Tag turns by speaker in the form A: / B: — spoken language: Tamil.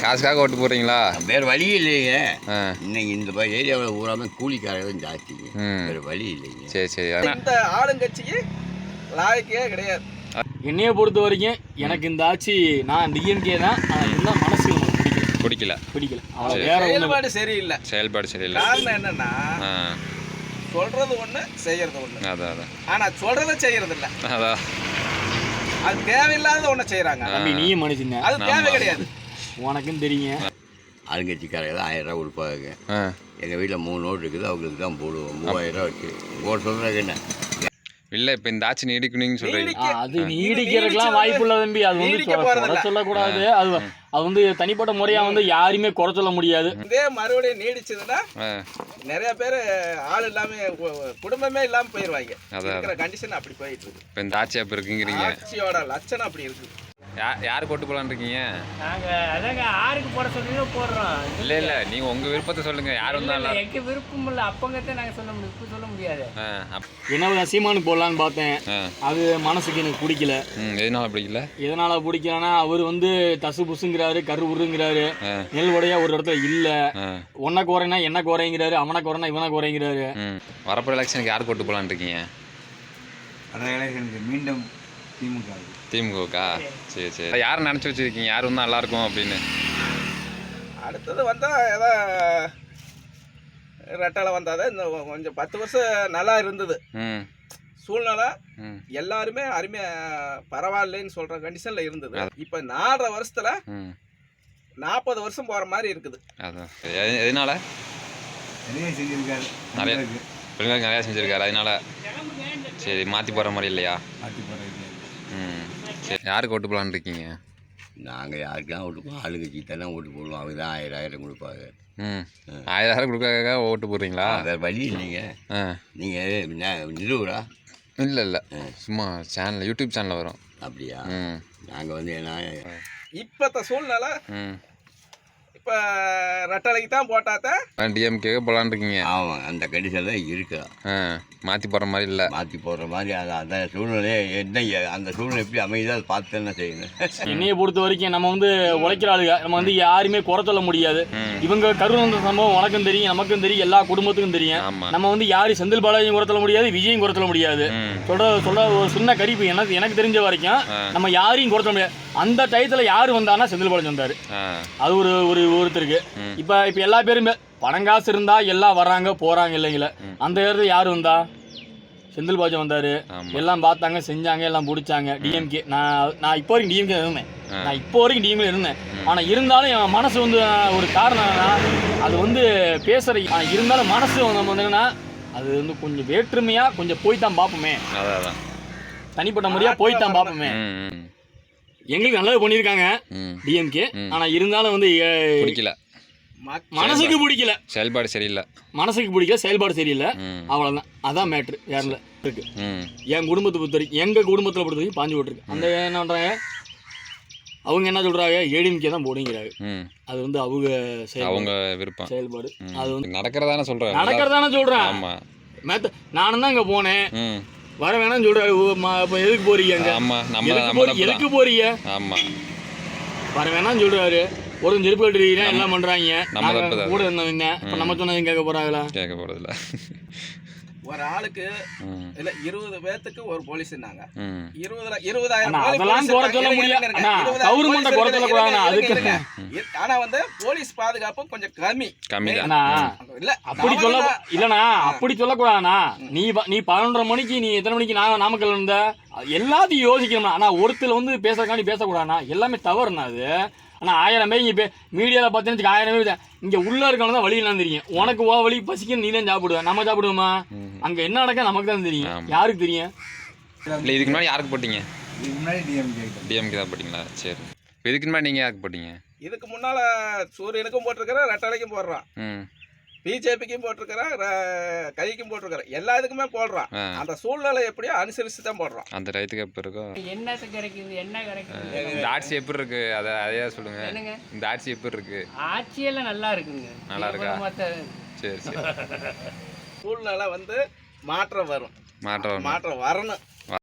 A: காசுக்காக ஓட்டு போடுறீங்களா?
B: வேறு வழி இல்லைங்க. இன்னைக்கு இந்த ஏரியாவில் ஊராமே கூலிக்காரங்க ஜாஸ்திங்க. வேறு வழி இல்லைங்க.
A: சரி சரி.
C: இந்த ஆளுங்கட்சிக்கு லாயக்கே கிடையாது.
D: என்னைய பொறுத்த வரைக்கும் எனக்கு இந்த ஆட்சி நான் டிஎம்கே தான். இருந்தால் மனசு
A: பிடிக்கல.
C: செயல்பாடு சரியில்லை.
A: செயல்பாடு சரியில்லை.
C: காரணம் என்னன்னா சொல்றது ஒண்ணு செய்யறது ஒண்ணு.
A: அதான்
C: ஆனா சொல்றதை செய்யறது இல்ல.
A: அதான்
C: அது தேவையில்லாத ஒண்ணு செய்யறாங்க.
D: தம்பி நீயும் மனுஷங்க,
C: அது தேவை கிடையாது.
D: உனக்கும் தெரியுங்க.
B: ஆளுங்கட்சிக்காரங்க தான் 1000 ரூபா கொடுப்பாங்க. எங்கள் வீட்டில் 3 நோட்டு இருக்குது, அவங்களுக்கு தான் போடுவோம். 3000 ரூபா வச்சு ஓட்டு சொல்கிறாங்க. என்ன
A: இல்லை இப்போ இந்த ஆட்சி நீடிக்கணும்னு சொல்கிறீங்க.
D: அது நீடிக்கிறதுக்கெல்லாம் வாய்ப்பு இல்லை தம்பி. அது வந்து குறை சொல்லக்கூடாது. அது வந்து தனிப்பட்ட முறையாக வந்து யாருமே குறை சொல்ல முடியாது.
C: இதே மறுபடியும் நீடிச்சதுன்னா நிறைய பேர் ஆள் இல்லாம குடும்பமே இல்லாம போயிடுவாங்க. இருக்கிற கண்டிஷன் அப்படி போயிட்டு இருக்கு.
A: இப்போ இந்த ஆட்சி அப்படி இருக்குங்கிறீங்க.
C: ஆட்சியோட லட்சணம் அப்படி இருக்கு.
A: யாருக்கு ஓட்டு போடலான்னு இருக்கீங்க?
E: நாங்கள் அதாங்க யாருக்கு போட சொல்லுங்க போடுறோம்.
A: இல்லை நீங்கள் உங்கள் விருப்பத்தை சொல்லுங்கள். யார் வந்தாலும்
E: எங்கள் விருப்பம் இல்லை. அப்பங்கத்தான் நாங்கள் சொல்ல முடியும், இப்போ சொல்ல முடியாது.
D: என்ன சீமானுக்கு போடலான்னு பார்த்தேன். அது மனசுக்கு எனக்கு பிடிக்கல.
A: எதனால பிடிக்கல?
D: எதனால பிடிக்கலன்னா அவர் வந்து தசு புசுங்கிறாரு, கரு உருங்கிறாரு. நெல் உடையா ஒரு இடத்துல இல்லை. ஒன்ன குறைனா என்ன குறைங்கிறாரு, அவனை குறைனா இவனை குறைங்கிறாரு.
A: வரப்போகிற எலெக்ஷனுக்கு யாருக்கு ஓட்டு போடலான்னு இருக்கீங்க?
B: மீண்டும்
A: திமுகவுக்கா? சரி சரி. யாரை நினச்சி வச்சுருக்கீங்க யார் வந்தால் நல்லாயிருக்கும் அப்படின்னு?
C: அடுத்தது வந்தால் ஏதோ ரெட்டால வந்தாதான் இந்த கொஞ்சம் 10 வருஷம் நல்லா இருந்தது சூழ்நிலை. எல்லாருமே அருமையாக பரவாயில்லைன்னு சொல்கிற கண்டிஷனில் இருந்தது. இப்போ 4.5 வருஷத்தில் 40 வருஷம் போகிற மாதிரி இருக்குது.
A: அதான் எதனால?
B: நிறைய செஞ்சுருக்காரு.
A: நிறையா செஞ்சுருக்காரு. அதனால சரி மாற்றி போகிற மாதிரி இல்லையா? சரி. யாருக்கு ஓட்டு போடலான்னு இருக்கீங்க?
B: நாங்கள் யாருக்கெல்லாம் ஓட்டு போடுவோம்? ஆளுங்கட்சி தானே ஓட்டு போடுவோம். அவங்க தான் 1000 கொடுப்பாங்க.
A: 1000 கொடுக்காக ஓட்டு போடுறீங்களா?
B: வேறு வழி இல்லைங்க. நீங்கள் நிறுவரா?
A: இல்லை சும்மா சேனல், யூடியூப் சேனலில் வரும்.
B: அப்படியா? நாங்கள் வந்து என்ன
C: இப்போத்த சூழ்நிலை இப்போ ரெட்டலைக்கு தான் போட்டாதான்
A: டிஎம்கே போடலான்னு இருக்கீங்க.
B: ஆமாம், அந்த கண்டிஷன் தான் இருக்கா.
A: மாற்றி போடுற மாதிரி இல்லை.
B: மாற்றி போடுற மாதிரி அந்த சூழ்நிலையை என்ன அந்த சூழ்நிலை எப்படி அமையுதோ அதை பார்த்து என்ன செய்யணும்.
D: என்னையை பொறுத்த வரைக்கும் நம்ம வந்து உழைக்கிற ஆளுங்க, நம்ம வந்து யாருமே குறை சொல்ல முடியாது. இவங்க கருணந்த சம்பவம் உனக்கும் தெரியும், நமக்கும் தெரியும், எல்லா குடும்பத்துக்கும் தெரியும். நம்ம வந்து யாரும் செந்தில் பாலாஜியும் குறை சொல்ல முடியாது, விஜயும் குறை சொல்ல முடியாது. சொல்ற ஒரு சின்ன கரிப்பு எனக்கு தெரிஞ்ச வரைக்கும் நம்ம யாரையும் குறை சொல்ல முடியாது. அந்த டயத்தில் யார் வந்தானா செந்தில் பாலாஜி வந்தார். அது ஒருத்தருக்கு. இப்போ எல்லா பேருமே பணங்காசு இருந்தா எல்லாம் வர்றாங்க போறாங்க இல்லைங்களா? அந்த இடத்துல யாரு வந்தா? செந்தில் பாலாஜி வந்தாரு. எல்லாம் பார்த்தாங்க, செஞ்சாங்க, எல்லாம் பிடிச்சாங்க. டிஎம்கே நான் இப்போ வரைக்கும் டிஎம்கே இருந்தேன். ஆனா இருந்தாலும் என் மனசு வந்து ஒரு காரணம்னா அது வந்து பேசுற. இருந்தாலும் மனசு நம்ம என்னன்னா அது வந்து கொஞ்சம் வேற்றுமையா கொஞ்சம் போய் தான் பார்ப்போமே. தனிப்பட்ட முறையா போய் தான் பார்ப்போமே. எங்களுக்கு நல்லது பண்ணியிருக்காங்க டிஎம்கே. ஆனா இருந்தாலும் வந்து
A: பிடிக்கல,
D: மனசுக்கு பிடிக்கல.
A: செயல்பாடு சரியில்லை.
D: மனசுக்கு பிடிக்கல, செயல்பாடு சரியில்லை. அவ்வளோதான். அதான் மேட்ரு. வேற இருக்கு. என் குடும்பத்தை பொறுத்த வரைக்கும், எங்கள் குடும்பத்தில் பொறுத்த வரைக்கும் பாஞ்சு போட்டுருக்கு. அந்த என்ன பண்ணுறாங்க, அவங்க என்ன சொல்கிறாங்க, ஏடிஎம்கே தான் போடுங்கிறாங்க. அது வந்து அவங்க விருப்பம், செயல்பாடு. அது வந்து நடக்கிறதானே சொல்கிறேன். ஆமாம், நானும் தான் இங்கே போனேன். வர வேணாம்னு சொல்கிறாரு. இப்போ எதுக்கு போறீங்க? எதுக்கு போறீங்க? ஆமாம், வர வேணாம்னு சொல்கிறாரு. ஒரு செருப்பு கட்டுறீங்க, எல்லாம் பண்றாங்க. கூட இருந்தவங்க இப்ப நம்ம சொன்னது கேட்க போறாங்களா? கேட்க போறதில்ல.
C: ஒரு ஆளுக்கு இல்ல 20 பேத்துக்கு ஒரு போலீஸ் இருந்தாங்க.
D: 20,000 அதெல்லாம் குறை சொல்ல முடியாது. கவர்மெண்ட் குறை சொல்ல கூடாது. அதுக்கு
C: ஆனா வந்து போலீஸ் பாதுகாப்பு கொஞ்சம் கம்மி
D: தான். இல்ல அப்படி சொல்ல இல்லனா, அப்படி சொல்ல கூடாதுனா. நீ 11:30 மணிக்கு நீ எத்தனை மணிக்கு நாமக்கல் இருந்த எல்லாத்தையும் யோசிக்கணும்னா. ஆனா ஒருத்தர் வந்து பேசுறதுக்காண்டி பேசக்கூடாதுனா எல்லாமே தவறுனா அது. ஆனால் 1000 பேர் இங்கே மீடியாவில் பார்த்தீங்கன்னு 1000 பேர் இங்கே உள்ளே இருக்கவங்க தான் வழியெல்லாம் தெரியும். உனக்கு வழி பசிக்கணும், நீ தான் சாப்பிடுவேன், நம்ம சாப்பிடுவோமா? அங்கே என்ன நடக்க நமக்கு தான் தெரியும். யாருக்கு தெரியும்?
A: இல்லை இதுக்கு முன்னாடி யாருக்கு போட்டீங்க? டிஎம்கே தான் போட்டிங்களா? சரி. இதுக்கு முன்னாடி நீங்கள் யாருக்கு போட்டீங்க?
C: இதுக்கு முன்னால் சூரியனுக்கும் போட்டிருக்கிறேன், ரெட்டலைக்கும் போடுறான், பிஜேபிக்கும் போட்டிருக்கிறேன், கைக்கும் போட்டிருக்கிறேன், எல்லா இதுக்குமே போடுறான். அந்த சூழ்நிலை எப்படியோ அனுசரித்து தான் போடுறான்.
A: அந்த டயத்துக்கு எப்போ இருக்கும்?
E: என்னத்து கிடைக்குது, என்ன கிடைக்குது?
A: இந்த ஆட்சி எப்படி இருக்கு அதையா சொல்லுங்க. இந்த ஆட்சி எப்படி இருக்கு?
E: ஆட்சியெல்லாம் நல்லா இருக்குங்க.
A: நல்லா இருக்கா? சரி சரி.
C: சூழ்நிலை வந்து மாற்றம் வரணும்.